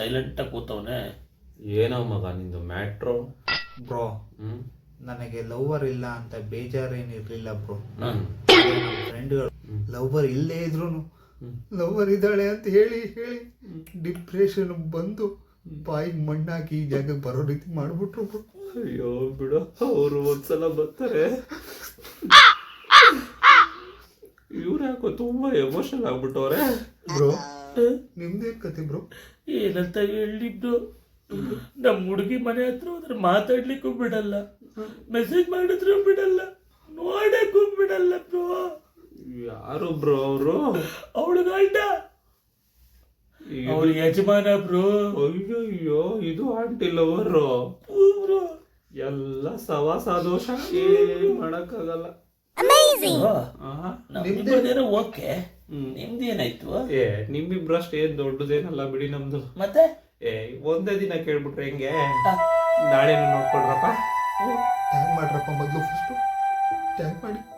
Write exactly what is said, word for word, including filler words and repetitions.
ಸೈಲೆಂಟಾಗಿ ಕೂತವನೆ. ಏನೋ ಮಗ ನಿಂದು ಮ್ಯಾಟ್ರೋ? ಬ್ರೋ ಹ್ಮ್ ನನಗೆ ಲವರ್ ಇಲ್ಲ ಅಂತ ಬೇಜಾರೇನಿರ್ಲಿಲ್ಲ ಬ್ರೋ. ಹ್ಮ್ ಫ್ರೆಂಡ್ಗಳು ಲವರ್ ಇಲ್ಲೇ ಇದ್ರು ಲವರ್ ಇದ್ದಾಳೆ ಅಂತ ಹೇಳಿ ಹೇಳಿ ಡಿಪ್ರೆಷನ್ ಬಂದು ಬಾಯಿಗೆ ಮಣ್ಣಾಕಿ ಈ ಜಾಗಕ್ಕೆ ಬರೋ ರೀತಿ ಮಾಡ್ಬಿಟ್ರು ಬ್ರೋ. ಅಯ್ಯೋ ಬಿಡು, ಅವರು ಒಂದ್ಸಲ ಬರ್ತಾರೆ. ಇವ್ರು ಯಾಕೋ ತುಂಬಾ ಎಮೋಷನಲ್ ಆಗ್ಬಿಟ್ಟವ್ರೆ. ಬ್ರೋ ನಿಮ್ದೇನ್ ಕತೆ ಬ್ರೋ? ಏನಂತ ಹೇಳಿ ಬ್ರೋ, ನಮ್ಮ ಹುಡುಗಿ ಮನೆ ಹತ್ರ ಹೋದ್ರೆ ಮಾತಾಡ್ಲಿಕ್ಕೂ ಬಿಡಲ್ಲ, ಮೆಸೇಜ್ ಮಾಡಿದ್ರು ಬಿಡಲ್ಲ, ನೋಡಕ್ಕೂ ಬಿಡಲ್ಲ ಬ್ರೋ. ಯಾರು ಬ್ರೋ ಅವರು? ಅವಳು ಗಂಡ, ಅವಳು ಯಜಮಾನ ಬ್ರೋ. ಅಯ್ಯೋ ಅಯ್ಯೋ, ಇದು ಆಂಟಿ ಲವರು ಬ್ರೋ. ಎಲ್ಲ ಸವಾಸ ದೋಷ, ಏನ್ ಮಾಡಕ್ಕಾಗಲ್ಲ. ನಿಮ್ದೇನೋ ಓಕೆ, ನಿಮ್ದೇನಾಯ್ತು? ಏ ನಿಮ್ಮಿಬ್ರಷ್ಟು ಏನ್ ದೊಡ್ಡದೇನಲ್ಲ ಬಿಡಿ ನಮ್ದು. ಮತ್ತೆ ಏ ಒಂದೇ ದಿನ ಕೇಳ್ಬಿಟ್ರೆ ಹೆಂಗೆ? ನಾಳೆನೂ ನೋಡ್ಕೊಳ್ರಪ್ಪ. ಟ್ಯಾಗ್ ಮಾಡ್ರಪ್ಪ ಮೊದಲು, ಫಸ್ಟು ಟ್ಯಾಗ್ ಮಾಡಿ.